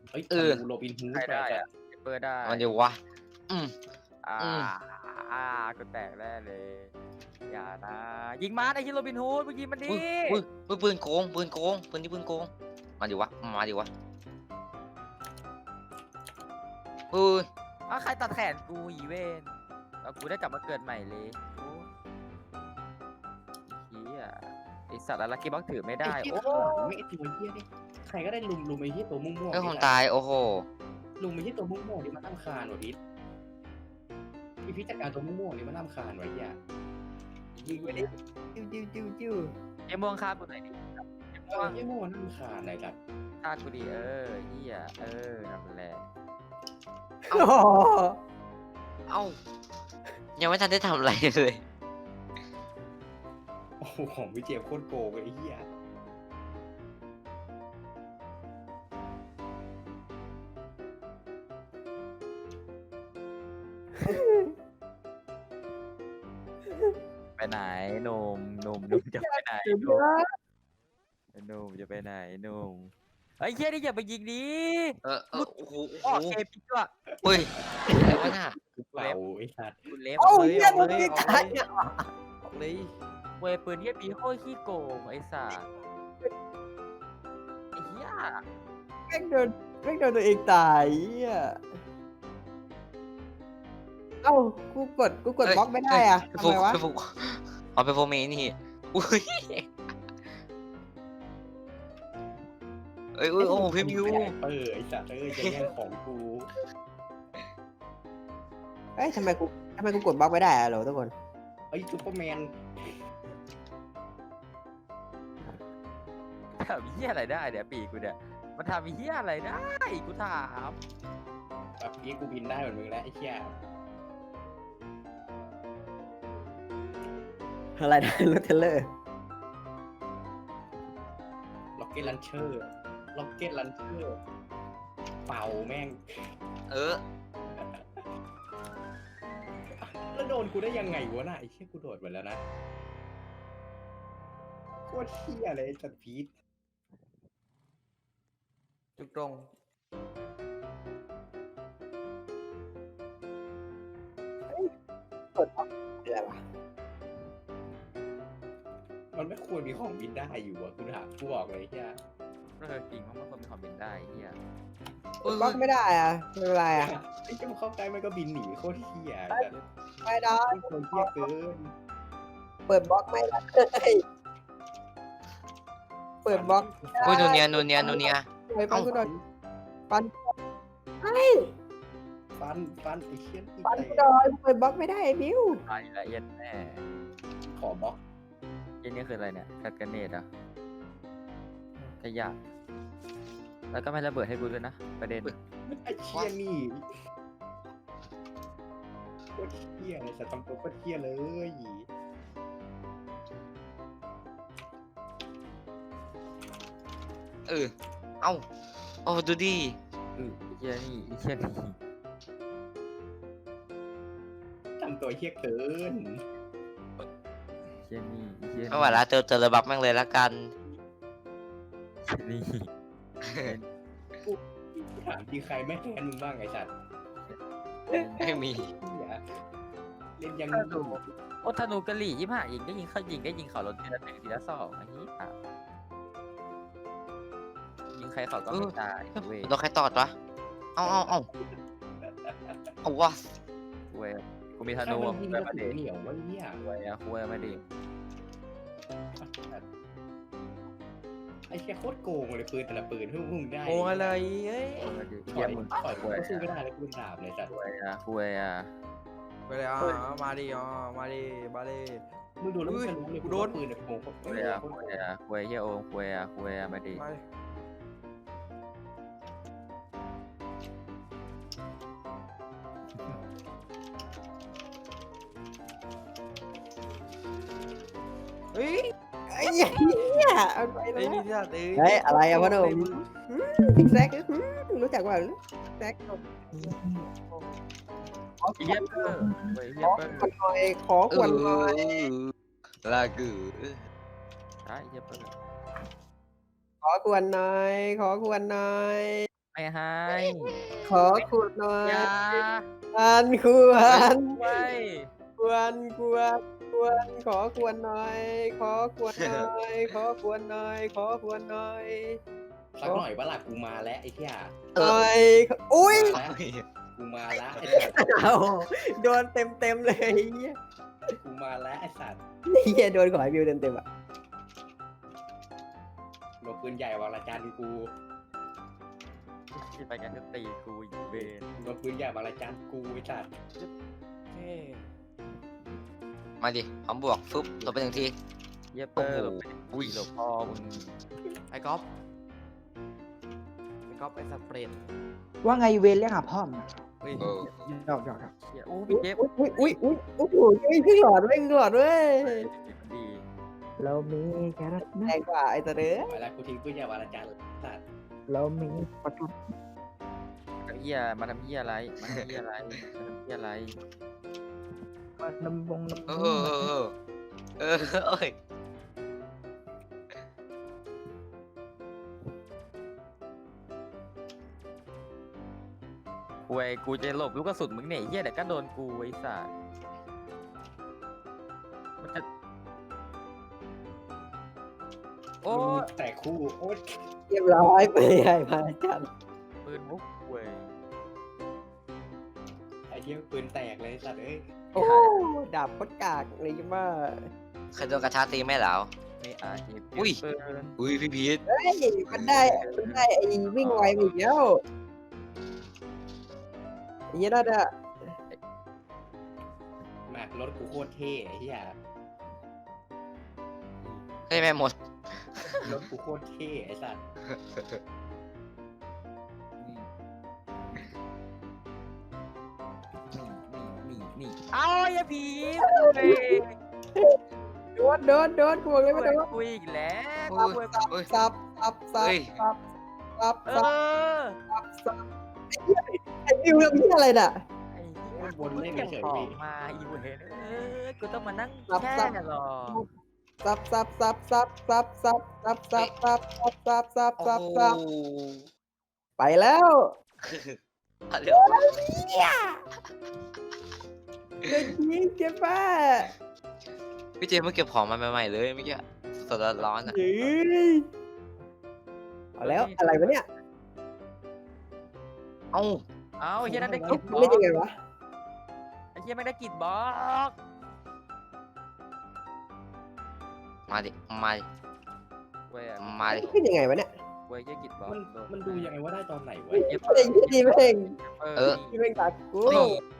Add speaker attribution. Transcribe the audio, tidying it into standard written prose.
Speaker 1: เฮ้ย
Speaker 2: เอ
Speaker 1: ธ
Speaker 2: อ
Speaker 1: นูโรบินฮู
Speaker 3: ใคร
Speaker 1: ด
Speaker 3: ได้
Speaker 1: ว่ะ
Speaker 3: อะเปิดได้
Speaker 2: มันอยู่วะอืม
Speaker 3: อ่า
Speaker 2: อืม
Speaker 3: กูแตกแน่เลยอย่านะยิงมาไอ้ที่โรบินฮูดมึงยิงมันดิ
Speaker 2: อุ้ยปืนโกงปืนที่ปืนโกงมาดิวะอุ้ย
Speaker 3: ใครตัดแขนกูอีเวนแล้วกูได้กลับมาเกิดใหม่เลยโอ้เฮียไอสัตว์อะไรกีบ็อกถือไม่ได้
Speaker 1: ไอ้เหี้ย
Speaker 3: โอ้
Speaker 1: ข้างหลังไม่ไอ้ตัวเหี้ยนี่ใครก็ได้ลุมไอ้เหี้ยตัวม่วง
Speaker 2: เฮ้ยผมตายโอ้โห
Speaker 1: ลุมไอ้เหี้ยตัวม่วงนี่มันรำคาญว่ะพิษพี่พิษจัดการตัวม่วงนี่มันรำคาญว่ะเหี้ย
Speaker 4: ยิงไปดิจิ้ว
Speaker 3: ไอม่วงฆ่ากูหน่อยดิ
Speaker 1: เออเหี้ยม่วงมันรำคาญอะไรกัน
Speaker 3: ฆ่ากูดิเฮียนั่นแหละ
Speaker 4: โอ้โห
Speaker 2: เอ้ายังไม่ทันได้ทำอะไรเลย
Speaker 1: โอ้โหของพี่เจมส์โคตรโกงเลยไอ้เหี้ย
Speaker 3: ไปไหนหนุ่มจะไปไหน
Speaker 4: สุด
Speaker 3: ห
Speaker 4: ย
Speaker 3: นุ่ม
Speaker 4: อด
Speaker 3: หนุ่มจะไปไหนหนุ่มไอ้เฮียนี่อย่าไปยิงดิ
Speaker 2: โอ้โห
Speaker 3: ออกเกมพี่ด้วย
Speaker 2: เฮ้ยอะไรวะน่ะ
Speaker 1: เป่าไอ้สัตว์
Speaker 3: กูเล็บ
Speaker 4: เอ้า
Speaker 3: เลย
Speaker 4: เหี้ยมึงยิงตาย
Speaker 3: ออกเลยเวยปืนเฮียปีโคตรขี้โกงไอ้สัสไอ้เฮีย
Speaker 4: แม่งโดนตัวเองตายเหี้ยเอ้ากูกดบล็อกไม่ได้อ่ะทำไมวะ
Speaker 2: ไปฟุกเอาไปโฟเมนี่อุ้ยโอ้โหพิมพ์ยู
Speaker 1: ไอ้สัตว์จะแย่งของกู
Speaker 4: เอ้ยทำไมกูกดบล็อกไม่ได้อะโหลทุกคน
Speaker 1: ไอ้ซูเปอร์แมน
Speaker 3: ทำเฮียอะไรได้เนี่ยปีกูเนี่ยมันทำเฮียอะไรได้กูถาม
Speaker 1: แบบนี้กูบินได้เหมือนมึงแล้วไอ้เหี้ย
Speaker 4: อะไรนะรถเทเลอร์
Speaker 1: ล็อกเก็ตลันเชอร์เป่าแม่ง แล้วโดนกูได้ยังไงวะน่ะไอ้เหี้ยกูโดดไปแล้วนะโคตรเหี้ยเลยสัตว์พีท
Speaker 3: จุกตรง
Speaker 4: กดบล็อกอะไรวะ
Speaker 1: มันไม่ควรมีของบินได้อยู่อะกูบอกเลยไอ้เหี้ย
Speaker 3: จริงเพราะมันคนมีความเป็นได้เฮีย
Speaker 4: กดบล็อกไม่ได้อ่ะไม่เป็นไรอ่ะ
Speaker 1: ไอ้เจ้าเข้าใกล้มันก็บินหนีโคตรเหี้ย
Speaker 4: ไม่ได้
Speaker 1: คนเหี้ยเกิน
Speaker 4: เปิดบล็อกไม่ได้เปิดบล็อก
Speaker 2: อุ้ยนูเนีย
Speaker 4: ไปปันกูหน่อยปันไอ้
Speaker 1: ฟันไอ้เชี่ยที่
Speaker 4: ปัน
Speaker 1: เตะ
Speaker 4: กูหน่อยเปิดบล็อกไม่ได้ไอ้บิว
Speaker 3: ไปละเอียดแน่
Speaker 1: ขอบล็อก
Speaker 3: เย็นนี่คืออะไรเนี่ยกัดกันเนตอ่ะขยะแล้วก็ไม่ระเบิดให้กูด้วยนะประเด็น
Speaker 1: ไอ้เชี่ยนี่โคตรเชี่ยเลยสัตว์ทำตัวโคตรเชี่ยเลย
Speaker 2: เอ้าโอ้ดูดิ
Speaker 3: เฮียนี่เฮียนี่
Speaker 1: ทำตัวเชี่ยเกิน
Speaker 3: เฮียนี่เฮีย
Speaker 2: ไม่ไหวละเจอระบักแม่งเลยละกัน
Speaker 3: นี่
Speaker 1: ถามจริงใครไม่แทนมึงบ้างไอ้สัตว์
Speaker 2: ไม่มี
Speaker 1: เหี้ยเล่นยัง
Speaker 3: โอ้ธนูกะหรี่25ยิงได้ยิงเขาลดทีละ1ทีละ2อันนี้อ่ะยิงใครเขาก็ไม่ตายเว้ย
Speaker 2: โดนใครตอดวะเอาวะ
Speaker 3: เว้ยกูมีธ
Speaker 1: ถ้า
Speaker 3: นู
Speaker 1: มันยิง
Speaker 3: เว้
Speaker 1: ก
Speaker 3: ย
Speaker 1: ระ
Speaker 3: มา
Speaker 1: สุ
Speaker 3: ดิ
Speaker 1: นเหนียววะเหี้ย
Speaker 3: เว้ยอะคุยมาดิ
Speaker 1: ไอ้เชี่ยโคตรโกงเลยปืนแต่ละปืนที่มึงได้
Speaker 3: โอ้อะไรเอ้ยมาดิ
Speaker 1: ต่
Speaker 3: เยี่
Speaker 1: อย ย
Speaker 3: มมึง
Speaker 1: ต่อยกูก็สู้ไม่ได้แล้วกูเป็นดาบเลยสัตว์
Speaker 3: คุยอะ
Speaker 5: ไปเลยมาดิมาดิ
Speaker 1: มึงดูแล้วมึงจะรู้เลย
Speaker 5: กูโดน
Speaker 1: ปืนเนี่ยโกง
Speaker 3: คุยเฮียโอมคุยอะมาดิ
Speaker 5: มาดิ
Speaker 4: เฮ้ยไอ้เหี้ยเอาไปแล้
Speaker 5: ไอ้
Speaker 4: ว
Speaker 5: นี่ที่เอ้
Speaker 4: เฮ้ยอะไรอะพ่อหนุ่มพิกแซกรู้จักว่าแซก
Speaker 3: เฮียเปอร์เว้ยเฮีย
Speaker 4: ขอ
Speaker 3: เปอร์
Speaker 4: ขวัญหน่อยขอขวัญหน่อย
Speaker 2: ลากือ
Speaker 3: ใช่เฮียเปอร์
Speaker 4: ขอขวัญหน่อยขอขวัญหน่อย
Speaker 3: ไม่ไม่ให้
Speaker 4: ขอขวดหน่อย
Speaker 3: อย่า
Speaker 4: อันควร
Speaker 3: ไว้
Speaker 4: ควรขอควรหน่อย ขอควรหน่อย ขอควรหน่อย ขอควรหน่อย
Speaker 1: สักหน่อยว่าหลักกูมาแล้วไอ้เหี้ย
Speaker 4: หน่อยอุ้ย
Speaker 1: มาแล้วกูมาแล้วไอ้สัตว์
Speaker 4: เอาโดนเต็มเลยไอ้เหี้ย
Speaker 1: กูมาแล้วไอ้สัตว์
Speaker 4: ไอ้เหี้ยโดนขอให้วิวเต็มอ่ะ
Speaker 1: โดนปืนใหญ่วางละจานกู
Speaker 3: ที่ไปกันจะตีกูอยู่เบน
Speaker 1: โดนปืนใหญ่วางละจานกูไอ้สัตว์
Speaker 2: มาดิพร้อมบวกฟึบลงไปหนึ่งที
Speaker 3: เยเปอร์หลบไป
Speaker 2: อุ้ย
Speaker 3: หลบพ่อมึง
Speaker 5: ไอ้ก๊อฟไอ้สเปรด
Speaker 4: ว่าไงเวนเรียกหาพ่อม
Speaker 5: เฮ้ย
Speaker 2: เออ
Speaker 4: หยอก
Speaker 3: เหี้ยโอ้พี่เจฟ
Speaker 4: อุ้ยโอ้โหครึ่งหลอดเว้ยครึ่งหลอดเว้ย
Speaker 3: ดี
Speaker 4: เรามีแครอทแรงกว่าไอ้ตะเด้อ
Speaker 1: ไปแล้วกูทิ้งปืนใหญ่วางละจานสัตว์
Speaker 4: เรามีประกัน
Speaker 3: เฮียมาทำเฮียอะไรมาทำเฮียอะไรมาทำเฮียอะไร
Speaker 4: น้ำบง
Speaker 2: เออเอ้ย
Speaker 3: กูกูจะหลบลูกกระสุนมึงเนี่ยเฮียเดี๋ยวก็โดนกูไอ้สัสมันจะโอ้
Speaker 1: แต่คู่โอ๊ย
Speaker 4: เรียบร้อยไปใหญ่มาจัน
Speaker 3: ปืนมุกเว้ย
Speaker 1: ไอ้เหี้ยปืนแตกเลยสัตว์เอ้ย
Speaker 4: โอ้ดาบพดกากเลยจังว่า
Speaker 2: เคยโดนกระชากตีไหมเหรอ
Speaker 3: ไม่อาจจะ
Speaker 2: อุ้ย
Speaker 3: ปืน
Speaker 2: อุ้ยพี่พีท
Speaker 4: เฮ้ยมันได้ไอ้วิ่งไวไปอีกแล้วไอ้เหี้ยนั่นอะ
Speaker 1: มากรถกูโคตรเท่ไอ้เหี้ย
Speaker 2: เฮ้ยแม่หมด
Speaker 1: รถกูโคตรเท่ไอ้สัตว์
Speaker 3: นี่เอาอย่าผีเว้ย
Speaker 4: โดนกูบอกเลยว่าโดน
Speaker 3: กูอีกแล้ว
Speaker 2: อุ้ย
Speaker 3: กู
Speaker 2: อุ้ย
Speaker 4: ซับ
Speaker 2: เฮ้ย
Speaker 3: เออ
Speaker 4: ไอ้วิวเรื่องนี้อะไรน่ะ
Speaker 3: ไอ้เหี้ยกูเก็บของมาอีเวนกูต้องมานั่งแช่หรอ
Speaker 4: ซับ
Speaker 2: โอ้
Speaker 4: ไปแล้ว
Speaker 2: เดี๋ยว
Speaker 4: เด็กหญิงเจ๊ป้า
Speaker 2: พี่เจมส์เพิ่งเก็บของมาใหม่ๆเลยเมื่อกี้สดร้อนๆอ่ะ
Speaker 4: เฮ้ยเอาแล้วอะไรวะเนี่ย
Speaker 2: เอ้า
Speaker 3: เอาไอ้เหี้ยนั่นได้กลิดบล็อ
Speaker 4: เล่น
Speaker 3: ก
Speaker 4: ยังไงวะ
Speaker 3: ไอ้เหี้ยไม่ได้กลิดบล็อก
Speaker 2: มาดิมาดิ
Speaker 3: เว้ย
Speaker 2: มาดิ
Speaker 4: เล่นยังไงวะเนี่ย
Speaker 3: เว้ยเหี้ยกลิดบล็อก
Speaker 1: มันดูยังไงว่าได้ตอนไหนวะ
Speaker 4: ไม่ได้ยี่ดีเพ่ง
Speaker 2: เออ
Speaker 4: ที่เพ่งตัดกู
Speaker 2: นี่